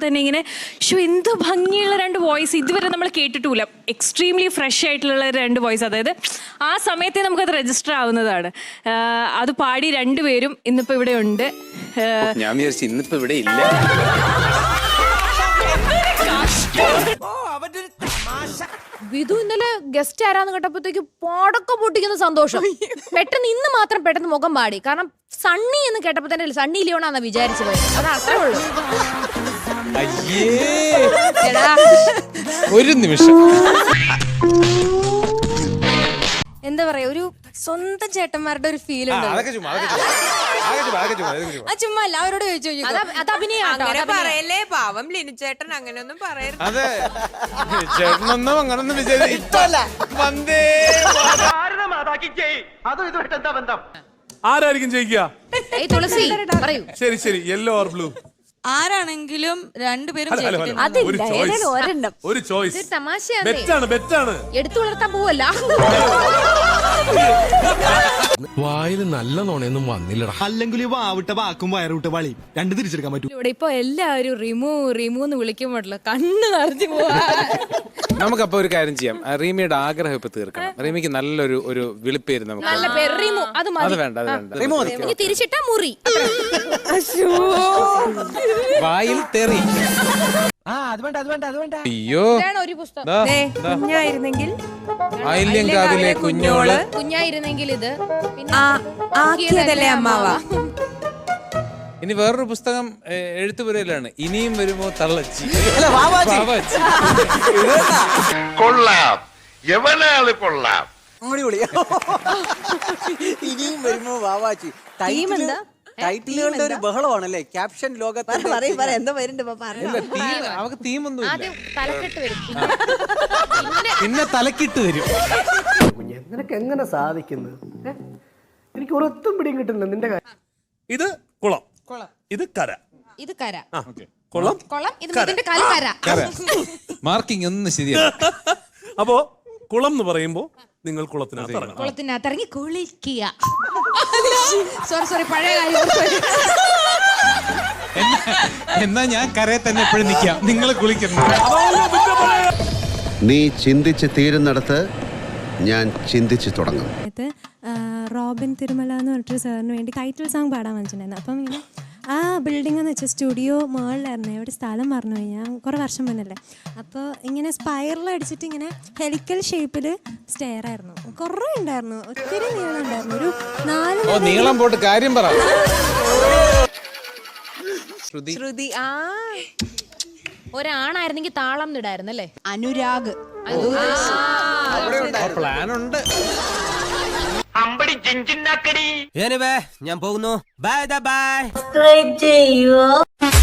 തന്നെ ഇങ്ങനെ എന്ത് ഭംഗിയുള്ള 2 വോയിസ് ഇതുവരെ നമ്മൾ കേട്ടിട്ടില്ല. എക്സ്ട്രീംലി ഫ്രഷ് ആയിട്ടുള്ള 2 വോയിസ്. അതായത് ആ സമയത്തെ നമുക്കത് രജിസ്റ്റർ ആവുന്നതാണ്. അത് പാടി 2 പേരും ഇന്നിപ്പോ ഇവിടെ ഉണ്ട്. ഞാൻ വിചാരിച്ചു ഇന്നിപ്പോ ഇവിടെ ഇല്ല. വിധു ഇന്നലെ ഗസ്റ്റ് ആരാന്ന് കേട്ടപ്പോഴത്തേക്ക് പടക്കം പൊട്ടിക്കുന്ന സന്തോഷം. പെട്ടെന്ന് ഇന്ന് മാത്രം പെട്ടെന്ന് മുഖം പാടി. കാരണം സണ്ണി എന്ന് കേട്ടപ്പോ തന്നെ സണ്ണി ലിയോണാന്നാ വിചാരിച്ചു പോയത്. അത് അത്രേ ഉള്ളൂ. ഒരു നിമിഷം എന്താ പറയാ, ഒരു സ്വന്തം ചേട്ടന്മാരുടെ ഒരു ഫീൽ ഉണ്ട്. ചുമ്മാ അല്ല, അവരോട് ചോദിച്ചു. അത് പറയല്ലേ പാവം ലിനുചേട്ടൻ, അങ്ങനെയൊന്നും പറയരുത്. അതെ, ചേട്ടനൊന്നും അങ്ങനൊന്നും ആരായിരിക്കും ജയിക്കുക? തുളസി പറയൂ. ശരി ശരി, യെല്ലോ ഓർ ബ്ലൂ? ആരാണെങ്കിലും 2 പേരും ഒരു ചോയ്സ്. തമാശയാണ്, ബെറ്റാണ്. എടുത്തു വളർത്താൻ പോവല്ല. വായിൽ നല്ല നോണയൊന്നും വന്നില്ലടാ. അല്ലെങ്കിൽ വാവിട്ട വാക്കും വയറുവിട്ട വളി 2 തിരിച്ചെടുക്കാൻ പറ്റും. ഇവിടെ ഇപ്പൊ എല്ലാവരും റിമൂ എന്ന് വിളിക്കുമ്പോഴല്ലോ കണ്ണ് നിറഞ്ഞു പോവാ. നമുക്കപ്പോ ഒരു കാര്യം ചെയ്യാം. റീമിയുടെ ആഗ്രഹം ഇപ്പൊ തീർക്കണം. റീമിക്ക് നല്ലൊരു വിളിപ്പേര് നമുക്ക്. നല്ല പേര് റിമു. അത് വേണ്ട. ഇനി തിരിച്ചിട്ടാ മുറി. വായിൽ തെറി. അയ്യോ, ഒരു പുസ്തകം. കുഞ്ഞായിരുന്നെങ്കിൽ ആയില്യങ്കാവിലെ കുഞ്ഞോള്. കുഞ്ഞായിരുന്നെങ്കിൽ ഇത് ആക്കിയതല്ലേ അമ്മാവ. ഇനി വേറൊരു പുസ്തകം എഴുത്തുപുരയിലാണ്. ഇനിയും വരുമോ തള്ളച്ചി. കൊള്ളാം, എവനാള് കൊള്ളാം. ഇനിയും വരുമ്പോ വാവാച്ചി. ടൈറ്റിലുകളുടെ ഒരു ബഹളമാണല്ലേ ക്യാപ്ഷൻ ലോകത്ത്. എന്താ വരുന്നുണ്ട് അവക്ക് തീമൊന്നും ആദ്യം തലക്കെട്ട് വരും, പിന്നെ തലക്കിട്ട് വരും. നിനക്ക് എങ്ങനെ സാധിക്കുന്നത്? എനിക്ക് ഒരൊത്തും പിടിയും കിട്ടുന്നില്ല നിന്റെ കാര്യം. ഇത് കുളം, ഇത് കര. ഇത് കര. കുളം, ഇത് ഇതിന്റെ കല കര. മാർക്കിംഗ് ഒന്നും ശരിയാണ്. അപ്പോ കുളം എന്ന് പറയുമ്പോ നിങ്ങൾ കുളത്തിനകത്ത് ഇറങ്ങണം. കുളത്തിനകത്ത് ഇറങ്ങി കുളിക്കുക. സോറി, പഴയ കാര്യം. എന്നാ ഞാൻ കരയെ തന്നെ എപ്പോഴും നിൽക്കാം, നിങ്ങൾ കുളിക്കുന്നു. നീ ചിന്തിച്ച് തീരുന്നിടത്ത് ഞാൻ ചിന്തിച്ച് തുടങ്ങും. റോബിൻ തിരുമല എന്ന് പറഞ്ഞിട്ട് സാറിന് വേണ്ടി ടൈറ്റിൽ സോങ് പാടാൻ വെച്ചിട്ടുണ്ടായിരുന്നു. അപ്പം ഇങ്ങനെ ആ ബിൽഡിംഗ് എന്ന് വെച്ചാൽ സ്റ്റുഡിയോ മുകളിലായിരുന്നു. എവിടെ സ്ഥലം പറഞ്ഞു കഴിഞ്ഞാൽ കുറേ വർഷം മുന്നല്ലേ. അപ്പോൾ ഇങ്ങനെ സ്പൈറൽ അടിച്ചിട്ട് ഇങ്ങനെ ഹെലിക്കൽ ഷേപ്പിൽ സ്റ്റെയർ ആയിരുന്നു. കുറേ ഉണ്ടായിരുന്നു, ഒത്തിരി നീളം ഉണ്ടായിരുന്നു. ഒരു 4 നീളം പോട്ട് കാര്യം പറ. ശ്രുതി. ഒരാണായിരുന്നെങ്കിൽ താളം ഇടായിരുന്നു അല്ലേ? അനുരാഗ്. പ്ലാൻ ഉണ്ട്. ഞാൻ പോകുന്നു. Bye bye. സബ്സ്ക്രൈബ് ചെയ്യൂ.